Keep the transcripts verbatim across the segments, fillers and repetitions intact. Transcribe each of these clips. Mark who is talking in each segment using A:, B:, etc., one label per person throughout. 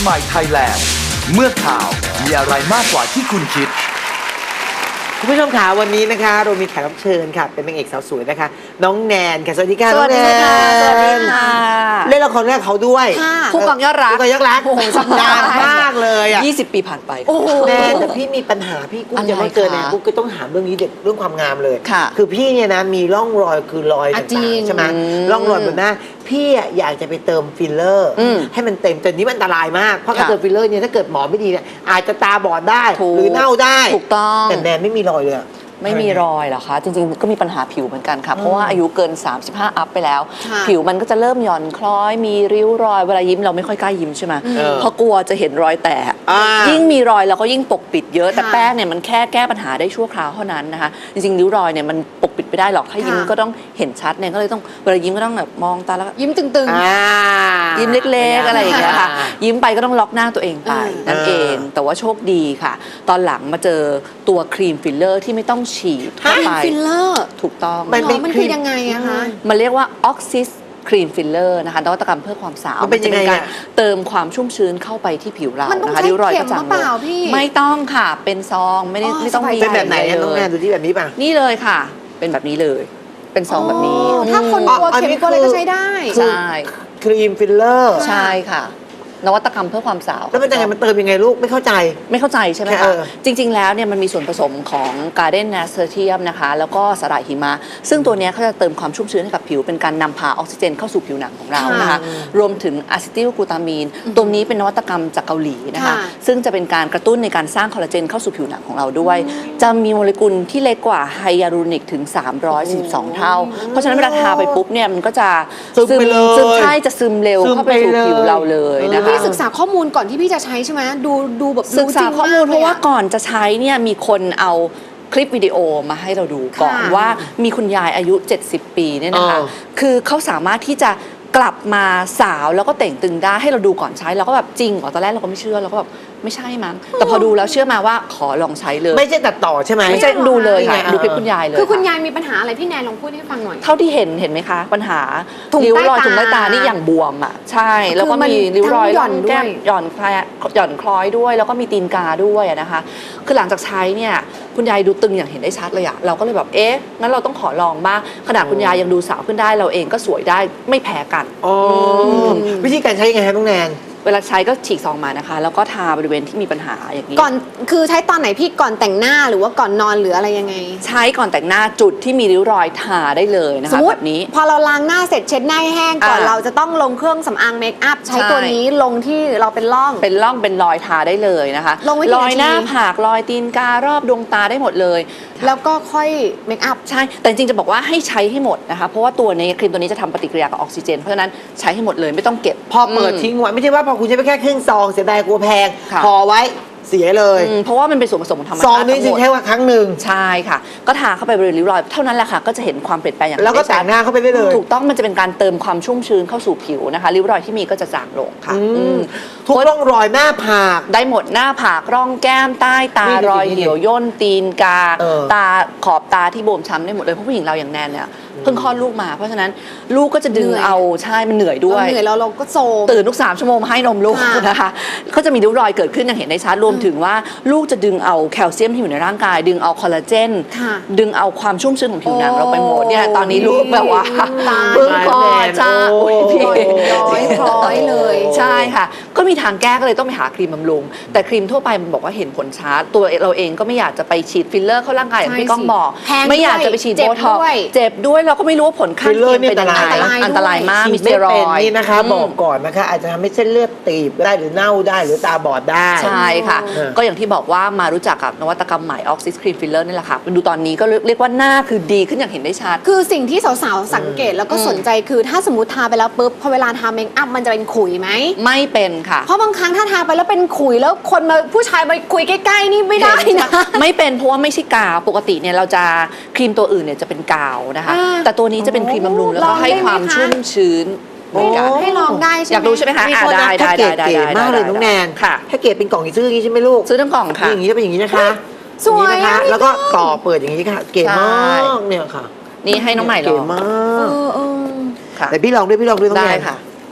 A: ใหม่ไทยแลนด์เมื่อข่าวมีอะไรมากกว่าที่คุณคิด
B: คุณผู้ชมค่ะวันนี้นะคะเรามีแขกรับเชิญค่ะเป็นนางเอกสาวสวยนะคะน้องแนนค่ะสวัสดีค่ะน้องแนน
C: สวัสดีค่ะ
B: เล่นละครแรกเขาด้วย
C: ผู้กองยอดรัก
B: ผู้กองยอดรักโอ้โหสัปดาห์มากเลยอ่ะ
C: ยี่สิบปีผ่านไป
B: แนนแต่พี่มีปัญหาพี่กุ้งจะไม่เจอแนนกุ้งก็ต้องถามเรื่องนี้เด็กเรื่องความงามเลยคือพี่เนี่ยนะมีร่องรอยคือรอยต่างๆใช่ไหมร่องรอยบนหน้าพี่อยากจะไปเติมฟิลเลอร์ให้มันเต็มแต่นี้มันอันตรายมากเพราะการเติมฟิลเลอร์เนี่ยถ้าเกิดหมอไม่ดีเนี่ยอาจจะตาบอดได้หรือเน่าได้
C: ถูกต้อง
B: แต่แนนไม่มีรอยเลย
C: ไม่มีรอยเหรอคะจริงๆก็มีปัญหาผิวเหมือนกันค่ะเพราะว่าอายุเกินสามสิบห้าอัพไปแล้วผิวมันก็จะเริ่มหย่อนคล้อยมีริ้วรอยเวลายิ้มเราไม่ค่อยกล้ายิ้มใช่ไหมเพราะกลัวจะเห็นรอยแตกยิ่งมีรอยเราก็ยิ่งปกปิดเยอะแต่แป้งเนี่ยมันแค่แก้ปัญหาได้ชั่วคราวเท่านั้นนะคะจริงๆริ้วรอยเนี่ยมันปกปิดไม่ได้หรอกถ้ายิ้มก็ต้องเห็นชัดเนี่ยก็เลยต้องเวลายิ้มก็ต้องแบบมองตาแล้ว
D: ยิ้มตึง
C: ๆยิ้มเล็กๆอะไรอย่างเงี้ยค่ะยิ้มไปก็ต้องล็อกหน้าตัวเองไปนั่นเองแต่ว่าโชคดีค่ะตอนหลังมาเจอตัวครีมฟิลเลอร์ที่ไม่ต้องฉีด
D: ฟิลเลอร์
C: ถูกต้อง
D: มันมันคือยังไงอะคะ
C: มันเรียกว่าออกซิสครีมฟิลเลอร์นะคะนวัตกรรมเพื่อความสาว
B: มันเป็นการ
C: เติมความชุ่มชื้นเข้าไปที่ผิวเรา
D: นะคะริ้วรอยกระจ่างเลย
C: ไม่ต้องค่ะเป็นซองไม่ได้ไม่ต้องมี
B: เป็นแบบไหนน้องแนนดูที่แบบนี้ป่ะ
C: นี่เลยค่ะเป็นแบบนี้เลยเป็นซองแบบนี้
D: ถ้าคนกลัวเข็มกลัวอะไรก็ใช้ได้
C: ใช่
B: ครีมฟิลเลอร์
C: ใช่ค่ะนวัตกรรมเพื่อความสาว
B: แล้วมันยังไงมันเติมยังไงลูกไม่เข้าใจ
C: ไม่เข้าใจใช่ไหมคะจริงๆแล้วเนี่ยมันมีส่วนผสมของ Garden Nasturtium นะคะแล้วก็สาหร่ายหิมะซึ่งตัวนี้เขาจะเติมความชุ่มชื้นให้กับผิวเป็นการนำพาออกซิเจนเข้าสู่ผิวหนังของเรานะคะรวมถึงอะซิติลกลูตามีนตัวนี้เป็นนวัตกรรมจากเกาหลีนะคะซึ่งจะเป็นการกระตุ้นในการสร้างคอลลาเจนเข้าสู่ผิวหนังของเราด้วยจะมีโมเลกุลที่เล็กกว่าไฮยาลูรอนิกถึงสามร้อยสี่สิบสองเท่าเพราะฉะนั้นเวลาทาไปปุ๊บเนี่ยมันก็จะซึมซึมใช่จะซึมเร็วเข้าไปสู่ผิวเราเลยนะคะ
D: พี่ศึกษาข้อมูลก่อนที่พี่จะใช้ใช่ไหมดูดูแบบ
C: ศึกษาข้อมูลเพราะว่าก่อนจะใช้เนี่ยมีคนเอาคลิปวิดีโอมาให้เราดูก่อนว่ามีคุณยายอายุเจ็ดสิบปีเนี่ยนะคะคือเขาสามารถที่จะกลับมาสาวแล้วก็เต่งตึงได้ให้เราดูก่อนใช้เราก็แบบจริงเหรอตอนแรกเราก็ไม่เชื่อเราก็แบบไม่ใช่มั้งแต่พอดูแล้วเชื่อมาว่าขอลองใช้เลย
B: ไม่ใช่ตัดต่อใช่ไหม
C: ไม่ใช่ดูเลยค่ะดูคลิปคุณยายเลย
D: คือคุณยายมีปัญหาอะไรพี่แนนลองพูดให้ฟังหน่อย
C: เท่าที่เห็นเห็นไหมคะปัญหาริ้วรอยถุงใต้ตานี่อย่างบวมอ่ะใช่แล้วก็มีริ้วรอยหย่อนแก้มหย่อนคลายหย่อนคล้อยด้วยแล้วก็มีตีนกาด้วยนะคะคือหลังจากใช้เนี่ยคุณยายดูตึงอย่างเห็นได้ชัดเลยอะเราก็เลยแบบเอ๊ะงั้นเราต้องขอลองบ้างขนาดคุณยายยังดูสาวขึ้นได้เราเองก็สวยได้ไม่แพ้กัน
B: วิธีการใช้ยังไงครับน้องแนน
C: เวลาใช้ก็ฉีกซองมานะคะแล้วก็ทาบริเวณที่มีปัญหาอย่างนี้
D: ก่อนคือใช้ตอนไหนพี่ก่อนแต่งหน้าหรือว่าก่อนนอนหรืออะไรยังไง
C: ใช้ก่อนแต่งหน้าจุดที่มีริ้วรอยทาได้เลยนะคะแบบนี้
D: พอเราล้างหน้าเสร็จเช็ดหน้าแห้งก่อนเราจะต้องลงเครื่องสำอางเมคอัพใช้ตัวนี้ลงที่เราเป็นร่อง
C: เป็นร่องเป็นรอยทาได้เลยนะคะรอยหน้าผากรอยตีนการอบดวงตาได้หมดเลย
D: แล้วก็ค่อยเมคอัพ
C: ใช่แต่จริงๆจะบอกว่าให้ใช้ให้หมดนะคะเพราะว่าตัวในครีมตัวนี้จะทำปฏิกิริยากับออกซิเจนเพราะฉะนั้นใช้ให้หมดเลยไม่ต้องเก็บ
B: พอเปิดทิ้งไว้ไม่ใช่ว่าพอคุณใช้ไปแค่ครึ่งซองเสียดายกลัวแพงพอไว้เสียเลย
C: เพราะว่ามันเป็นส่วนผสมของธรรมชาติ
B: ซองนี้ใช้ว่าครั้งหนึ่ง
C: ใช่ค่ะก็ทาเข้าไปบริเวณริ้วรอยเท่านั้นแหละค่ะก็จะเห็นความเปลี่ยนแปลงอย่าง
B: แล้วก็แต่งหน้าเข้าไปได้เลย
C: ถูกต้องมันจะเป็นการเติมความชุ่มชื้นเข้าสู่ผิวนะคะริ้วรอยที่มีก็จะจางลงค่ะ
B: ทุกร่องรอยหน้าผาก
C: ได้หมดหน้าผากร่องแก้มใต้ตารอยเหี่ยวย่นตีนกาตาขอบตาที่บวมช้ำได้หมดเลยเพราะผู้หญิงเราอย่างแนนเนี่ยเพิ่งคลอดลูกมาเพราะฉะนั้นลูกก็จะดึงเอาใช่มันเหนื่อยด้วย
D: เหนื่อยแล้วเราก็โซ
C: ตื่นทุกสามชั่วโมงมาให้นมลูกนะคะก็จะมีริ้วรอยเกิดขึ้นอย่างเห็นได้ชัดรวมถึงว่าลูกจะดึงเอาแคลเซียมที่อยู่ในร่างกายดึงเอาคอลลาเจนดึงเอาความชุ่มชื้นของผิวหนังเราไปหมดเนี่ยตอนนี้ลูกแบบว่าเพิ่งคลอดจ้า
D: พี่ร้อยร้อยเลย
C: ใช่ค่ะก็มีทางแก้ก็เลยต้องไปหาครีมบำรุงแต่ครีมทั่วไปมันบอกว่าเห็นผลช้าตัวเราเองก็ไม่อยากจะไปฉีดฟิลเลอร์เข้าร่างกายอย่างที่ก้องบอกไม่อยากจะไปฉีดโบท็อกซ์เจ็บด้วยเราก็ไม่รู้ว่าผลข้างเคียงเป็นยังไงอันตรายมากมีสเตียรอยด์
B: นี่นะคะบอกก่อนนะคะอาจจะทำให้เส้นเลือดตีบได้หรือเน่าได้หรือตาบอดได้
C: ใช่ค่ะก็อย่างที่บอกว่ามารู้จักกับนวัตกรรมใหม่ออกซิสครีมฟิลเลอร์นี่แหละค่ะดูตอนนี้ก็เรียกว่าหน้าคือดีขึ้นอย่างเห็นได้ชัด
D: คือสิ่งที่สาวๆสังเกตแล้วก็สนใจคือถ้าสมมติทาไปแล้วปุ๊บพอเวลาทาเมคอัพมันจะเป็นขุยไหม
C: ไม่เป็นค่ะ
D: เพราะบางครั้งถ้าทาไปแล้วเป็นขุยแล้วคนมาผู้ชายมาคุยใกล้ๆนี่ไม่ได้นะ
C: ไม่เป็นเพราะว่าไม่ใช่กาวปกติเนี่ยเราจะครีมตัวอื่นเนี่ยจะเป็นกาวนะคะแต่ตัวนี้จะเป็นครีมบำรุงแล้วก็ให้ความชุ่มชื้น
D: ให้ลองได้ใช่ไหม
C: อยากรู้ใช่ไหมคะได้ได้
B: ได้ได้มากเลยน้องแนน
C: ค่ะ
B: ถ้าเกรดเป็นกล่องซื้ออย่างนี้ใช่ไหมลูก
C: ซื้อทั้งกล่องค่ะ
B: อย่างนี้จะเป็นอย่างนี้นะคะ
D: สวย
B: นะคะแล้วก็ต่อเปิดอย่างนี้ค่ะเก๋มากเนี่ยค่ะ
C: นี่ให้น้องใหม่ลอง
B: เก๋มากแต่พี่ลองด้วยพี่ลองด้วยต้อง
C: ได้ค่ะ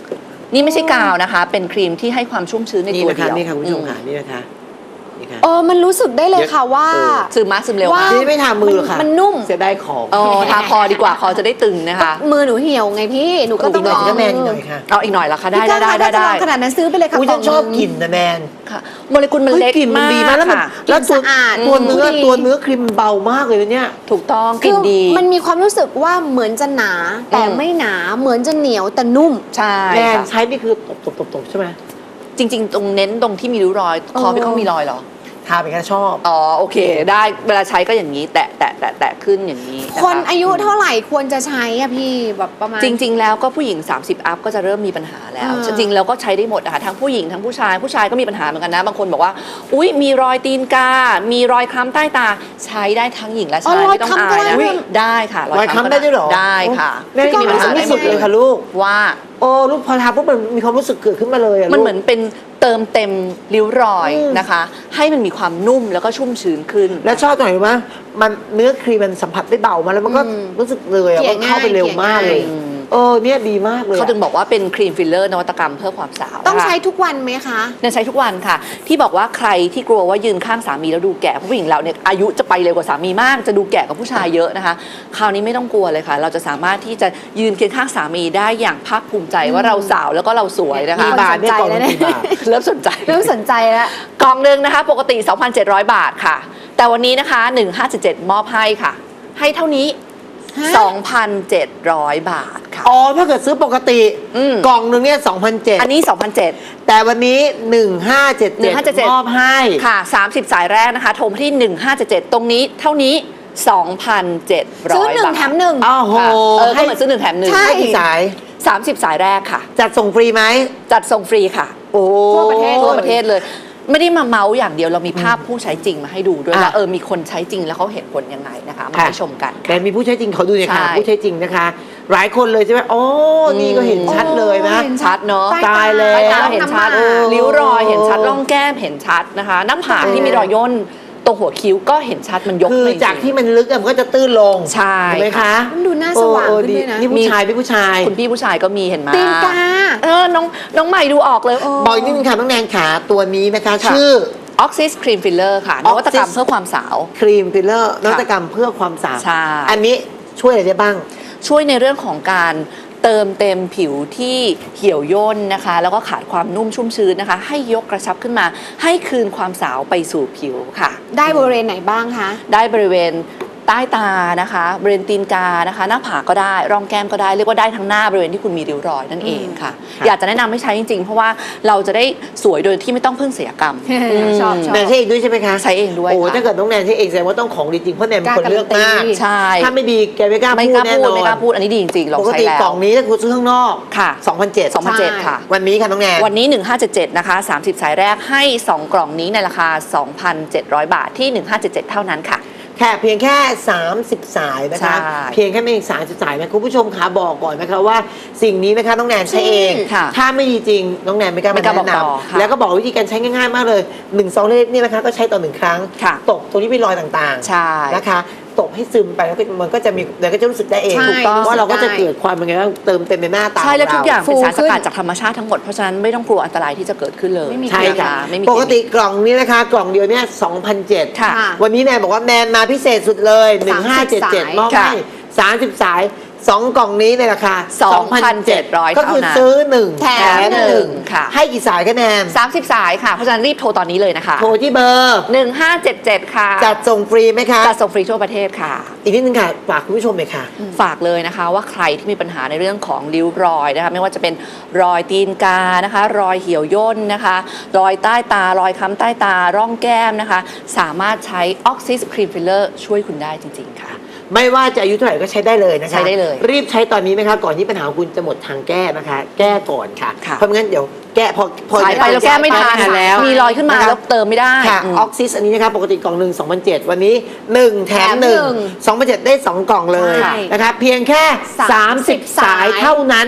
C: นี่ไม่ใช่กาวนะคะ เป็นครีมที่ให้ความชุ่มชื้นใน
B: นี่
C: ตัว
B: นะคะ
C: เดียว
B: นี่ค่ะคุณผู้ชม
C: อื
B: ค่ะนี่นะคะนี่ค่ะ
D: เออมันรู้สึกได้เลยค่ะว่า
B: เออ
C: ซึมมาซึมเร็ว
D: ว่า
C: มาก
B: นี่ไม่ทามือหรอกค่ะ
D: มันนุ่ม
B: เสียดายของ
C: อ๋อทาคอดีกว่าคอจะได้ตึงนะคะ
D: มือหนูเหี่ยวไงพี่หนูก็ต้อง
B: อีกหน่
D: ล
B: อย
D: อง
B: ก็แมนอีกหน่อยค่ะ
C: เอาอีกหน่อยละคะได้
D: พี่
C: ได้
D: ก้าว
C: ได้ได้
D: ถ้าจะล
C: ได้
D: องขนาดนั้นซื้อไปเลยค่ะ
B: อุ้ยฉันชอบกลิ่นนะแนน
C: ค่ะโมเลกุลมันเล็ก
B: ฮ้ยกลิ่นมัน
C: มาก
B: ดีมากแล้วมัน
C: ค่ะ
B: แล้วตัว
D: สะอาด
B: ตัวเนื้อ
D: ดี
B: ตัวเนื้อครีมเบามากเลยนะเนี่ย
C: ถูกต้องก
D: คื
C: ลิ่น
D: อ
C: ดี
D: มันมีความรู้สึกว่าเหมือนจะหนา แต่
C: อืม
D: ไม่หนาเหมือนจะเหนียวแต่นุ่ม
C: ใช่
B: แนน
C: ค่ะ
B: ใช้นี่คือตบตบตบตบใช่ไหม
C: จริง ๆ ตรงเน้นตรงที่มีริ้วรอย คอพี่เขามีรอยเหรอ
B: ทาไปแค่ชอบ
C: อ๋อโอเค ได้เวลาใช้ก็อย่างนี้ แตะแตะแตะแตะขึ้นอย่างนี้ะะ
D: คนอายุเท่าไหร่ควรจะใช้อะพี่แบบประมาณ
C: จริง ๆ แล้วก็ผู้หญิง สามสิบ อัพก็จะเริ่มมีปัญหาแล้ว
D: อ่า
C: จริง ๆ แล้วก็ใช้ได้หมดนะคะทั้งผู้หญิงทั้งผู้ชายผู้ชายก็มีปัญหาเหมือนกันนะ บางคนบอกว่า อุ๊ย มีรอยตีนกา มีรอยคล้ำใต้ตา ใช้ได้ทั้งหญิงและ
D: อ๋อ
C: ชาย
D: รอย
C: ไม่ต้อง
D: คล้ำ
C: อาย
D: ก็ได้
C: นะ
D: ด้วย
C: ได้ค่ะ
B: รอยคล้ำได้ด้วยเหรอ
C: ได้ค่ะ
B: แม่
C: ไม่
B: มี
C: มี
B: ปั
C: ปั
B: ญ
C: ญ
B: หา
C: หา
B: ไม่
C: ได้ห
B: สุ
C: ม
B: ด
C: ด
B: เล
C: เลย ย
B: ค่ะลูก
C: ว่า
B: โอ้ลูกพอทาปุ๊บมันมีความรู้สึกเกิดขึ้นมาเลยอะ
C: มัน
B: ลูก
C: เหมือนเป็นเติมเต็มริ้วรอย
B: อืม
C: นะคะ ให้มันมีความนุ่มแล้วก็ชุ่มชื้นขึ้น
B: แล้วชอบตรงไหนรู้ไหมมันเนื้อครีมมันสัมผัสได้เบามาแล้วมันก็
D: อืม
B: รู้สึกเลยอะ
D: เกลี่
B: มั
D: ย
B: นเข้าไปเร็วมากเลย
D: ง่าย
B: เออเนี่ยดีมากเลย
C: เขา
B: อะ
C: ถึงบอกว่าเป็นครีมฟิลเลอร์นวัตกรรมเพื่อความสาว
D: ต้อง
C: นะคะ
D: ใช้ทุกวันไหมคะ
C: เนี่ยใช้ทุกวันค่ะ ที่บอกว่าใครที่กลัวว่ายืนข้างสามีแล้วดูแก่เพราะผู้หญิงเราเนี่ยอายุจะไปเร็วกว่าสามีมาก จะดูแก่กว่าผู้ชายเยอะนะคะ คราวนี้ไม่ต้องกลัวเลยค่ะ เราจะสามารถที่จะยืนเคียงข้างสามีได้อย่างภาคภูมิใจว่าเราสาวแล้วก็เราสวยนะคะ
B: กี่บาทเนี่ยกล่อง
D: สนใจแล้วเนี่ย
B: กี่บาท
C: เริ่มสนใจ
D: เริ่มสนใจแล้ว
C: กล่องหนึ่งนะคะ ปกติ สองพันเจ็ดร้อย บาทค่ะ แต่วันนี้นะคะ หนึ่งพันห้าร้อยเจ็ดสิบเจ็ด มอบให้ค่ะ ให้เท่านี้
D: ฮะ
C: สองพันเจ็ดร้อย บาทค่ะ
B: อ๋อถ้าเกิดซื้อปกติ
C: อืม
B: กล่องหนึ่งเนี่ยสองพันเจ็ด
C: อันนี้ สองพันเจ็ด
B: แต่วันนี้หนึ่งห้าเจ็ด
C: หนึ่งห้าเจ็ดเจ็ด
B: มอบให้
C: ค่ะ สามสิบ สายแรกนะคะ โทรมาที่ หนึ่งห้าเจ็ดเจ็ด ตรงนี้เท่านี้ สองพันเจ็ดร้อย
D: ซื้อหนึ่ง
C: บาท
D: แถมหนึ่ง
B: อ้าวโห
C: ค่ะเออก็
B: ให้
C: เหมือนซื้อหนึ่งแถมหนึ่ง
D: ใช่
B: ให้กี่สาย
C: สามสิบ สายแรกค่ะ
B: จัดส่งฟรีไหม
C: จัดส่งฟรีค่ะ
B: โอ้
D: ทั่วประเทศ
C: ทั่วประเทศเลย ไม่ได้มาเมาส์อย่างเดียวเรามีภาพผู้ใช้จริงมาให้ดูด้วย
B: อ่ะ
C: ว่าเออมีคนใช้จริงแล้วเขาเห็นผลยังไงนะคะมา
B: ค่ะ
C: ให้ชมกัน
B: แต่มีผู้ใช้จริงเขาดูเนี่ยค่ะ
C: ใช่
B: ผู้ใช้จริงนะคะ หลายคนเลยใช่ไหมโอ้นี่ก็เห็นชัดเลยนะ
D: โอ้ห็
C: ชัดเนอะ
D: ใต้
B: ตายแล้ว
C: ใต้ตาเห็นชัด
D: ทำมา
C: ริ้วรอยเห็นชัดร่องแก้มเห็นชัดนะคะหน้าผากที่มีรอยย่นตรงหัวคิ้วก็เห็นชัดมันยก
B: คือ
C: เลยจริง
B: จากที่มันลึกอะมันก็จะตื้นลง
C: ใช่
B: ถูกไหมคะ
D: มันดูหน้าสว่าง
B: เออ
D: ขึ้นด้วยนะ
B: นี่ผู้ชายพี่ผู้ชาย
C: คุณพี่ผู้ชายก็มีเห็นไหม
D: ตีนกา
C: เออน้องน้องใหม่ดูออกเลย
B: บอกอีกนิดนึงค่ะน้องแนนขาตัวนี้นะคะ
C: ค่ะ
B: ชื่อ
C: ออกซิสครีมฟิลเลอร์ค่ะนวัตกรรม
B: Oxys
C: เพื่อความสาว
B: ครีมฟิลเลอร์นวัตกรรมเพื่อความสาว
C: ใช่
B: อันนี้ช่วยอะไรได้บ้าง
C: ช่วยในเรื่องของการเติมเต็มผิวที่เหี่ยวย่นนะคะ แล้วก็ขาดความนุ่มชุ่มชื้นนะคะ ให้ยกกระชับขึ้นมา ให้คืนความสาวไปสู่ผิวค่ะ
D: ได้บริเวณไหนบ้างคะ
C: ได้บริเวณใต้ตานะคะบริเวณตีนกานะคะ หน้าผากก็ได้ร่องแก้มก็ได้เรียกว่าได้ทั้งหน้าบริเวณที่คุณมีริ้วรอยนั่นเองค่ะ
B: ค่ะ
C: อยากจะแนะนำให้ใช้จริงๆ เพราะว่าเราจะได้สวยโดยที่ไม่ต้องพึ่งศัลยกรรม ม
D: ชอบชอบ
B: แนนใช้เองด้วยใช่ไหมคะ
C: ใช้เองด้วย
B: โอ้
C: ค่ะ
B: ถ้าเกิดน้องแนนใช้เองแสดงว่าต้องของดีจริงเพราะแนนเป็นคนเลือกมาก
C: ใช่
B: ถ้าไม่ดีแกไม่กล้า
C: ไม่
B: พู
C: ก
B: ด
C: ล้า
B: แน่
C: พูด
B: นอ
C: ไม่
B: น
C: กล้าพูดอันนี้ดีจริงๆลอง
B: ปก
C: ใช้
B: ติ
C: แล้ว
B: กล่องนี้ถ้าคุณซื้อข้างนอก
C: ค่ะ
B: สองพันเจ็ด
C: สองพันเจ็ดค่ะ
B: วันนี้ค่ะน้องแนน
C: วันนี้ หนึ่งห้าเจ็ดเจ็ด นะคะ สามสิบ สายแรกให้ สอง กล่องนี้ในราคา สองพันเจ็ดร้อย บาทที่ หนึ่งห้าเจ็ดเจ็ด เท่านั้นค่ะ
B: แค่เพียงแค่ สามสิบ สายนะคะ
C: ใช่
B: เพียงแค่ไม่ถึงสามสิบสายนะคุณผู้ชมคะบอกก่อนนะคะว่าสิ่งนี้นะคะน้องแนนใช้เอง
C: ค่ะ
B: ถ้าไม่ดีจริงน้องแนนไม่กล้า
C: ไม่
B: มาก
C: ล้า
B: แนะ
C: บอกต่อค่ะ
B: นำแล้วก็บอกวิธีการใช้ง่ายๆมากเลยหนึ่งซองเล็กๆนี่นะคะก็ใช้ต่อหนึ่งครั้ง
C: ค่ะ
B: ตกตรงนี้เป็นรอยต่าง
C: ใช่
B: ๆนะคะตกให้ซึมไปแล้วก็มันก็จะมีเดี๋ยวก็จะรู้สึกได้เอง
D: ใช่
C: ถูกต้อง
B: ว่าเราก็จะ
D: ได้
B: เกิดความเป็นไงบ้างเติมเต็มในหน้าตา
C: ใช่และ
B: ข
C: ทุกอย่าง
B: เร
C: เป็นสาร
D: ฟู
C: ส
D: ขึ้น
C: กัดจากธรรมชาติทั้งหมด เพราะฉะนั้นไม่ต้องกลัวอันตรายที่จะเกิดขึ้นเลย
D: ไม่มี
B: ใช่ค่ะ
C: ไม่มี
B: ปกติกล่องนี้นะคะ กล่องเดียวเนี่ยสองพันเจ็ด
C: ค่ะ
B: วันนี้แนนบอกว่าแนนมาพิเศษสุดเลยหนึ่งห้าเจ็ดเจ็ด
D: สาย
B: มอบ
C: ค่ะ
B: ให้สามสิบสายสองกล่องนี้ในราคา
C: สองพันเจ็ดร้อย
B: ก็คือ
C: เท่านั้น
B: ซื้อหนึ่ง
D: แถม
B: ห
D: หนึ่
B: นึ่ง
D: ง
C: ค่ะ
B: ให้กี่สายคะแนน
C: สามสิบ สายค่ะ เพราะฉะนั้นรีบโทรตอนนี้เลยนะคะ
B: โทรที่เบอร์
C: หนึ่งห้าเจ็ดเจ็ด ค่ะ
B: จัดส่งฟรีไหมคะ
C: จัดส่งฟรีทั่วประเทศค่ะ
B: อีกนิดนึงค่ะฝากคุณผู้ชมหน่อยค่ะ
C: ฝากเลยนะคะว่าใครที่มีปัญหาในเรื่องของริ้วรอยนะคะไม่ว่าจะเป็นรอยตีนกานะคะ รอยเหี่ยวย่นนะคะ รอยใต้ตารอยค้ำใต้ตาร่องแก้มนะคะ สามารถใช้ออกซิสครีมฟิลเลอร์ช่วยคุณได้จริงๆค่ะ
B: ไม่ว่าจะอายุเท่าไหร่ก็ใช้ได้เลยนะคะ
C: ใช้ได้เลย
B: รีบใช้ตอนนี้นะคะก่อนที่ปัญหาของคุณจะหมดทางแก้นะคะ แก้ก่อนค่ะ
C: ค่ะ
B: เพราะไม่งั้นเดี๋ยวแก้พอพอ
C: ใช้ไปแล้วแก้ไม่ทัน
B: แล้ว
C: มีรอยขึ้นมา
B: ะคะ
C: แล้วเติมไม่ได้
B: ค่ะ
C: อืม
B: ออกซิสอันนี้นะคะปกติกล่องหนึ่งสองพันเจ็ดวันนี้หนึ่งแถมหนึ่ง
D: แถมหนึ่ง
B: สองพันเจ็ดได้สองกล่องเลย
D: ใช่
B: นะคะเพียงแค่
D: สามสิบ
B: สามสิบ สาย
D: สาย
B: เท่านั้น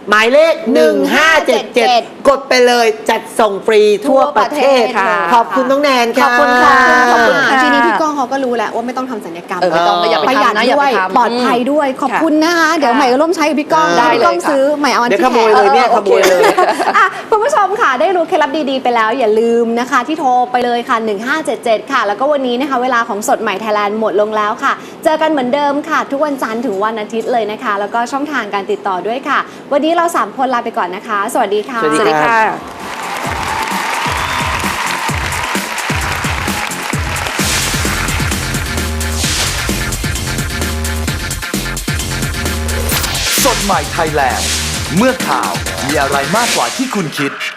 B: หมายเลขหนึ่งห้าเจ็ดเจ็ดกดไปเลยจัดส่งฟรีทั่วประเทศ
D: ค่ะ
B: ขอบคุณน้องแนนค่ะ
C: ขอบคุณค่ะขอบคุณค่ะ
D: ทีนี้พี่ก้องเขาก็รู้แล้วว่าไม่ต้องทำศัลยกรรม
C: เออไม่ต้องอย่าไป
D: ประหยัด
C: ทำนะอย่า
D: ด้
C: ไป
D: วย
C: ทำ
D: ปลอดภัยด้วยขอบคุณนะคะ เดี๋ยวใหม่ก็ร่วมใช้กับพี่ก้อง
B: ได้
D: พี่ก้อง
C: เลยค่ะ
D: ซื้อใหม่เอาอัน
B: เดี๋ยว
D: ที่
B: ขโมยเลยเนี่ยขโมยเลย
D: อ่ะคุณผู้ชมค่ะได้รู้เคล็ดลับดีๆไปแล้วอย่าลืมนะคะ ที่โทรไปเลยค่ะหนึ่งห้าเจ็ดเจ็ดค่ะ แล้วก็วันนี้นะคะเวลาของสดใหม่ไทยแลนด์หมดลงแล้วค่ะ เจอกันเหมือนเดิมค่ะ ทุกวันจันทร์ถึงวันอาทิตย์เลยนะคะ แล้วก็ช่องทางการติดต่อด้วยค่ะ วันนี้เราสามคนลาไปก่อนนะคะ สวัสดีค่ะ
B: สวัสดีค่ะ
A: สดใหม่ไทยแลนด์ เมื่อข่าวมีอะไรมากกว่าที่คุณคิด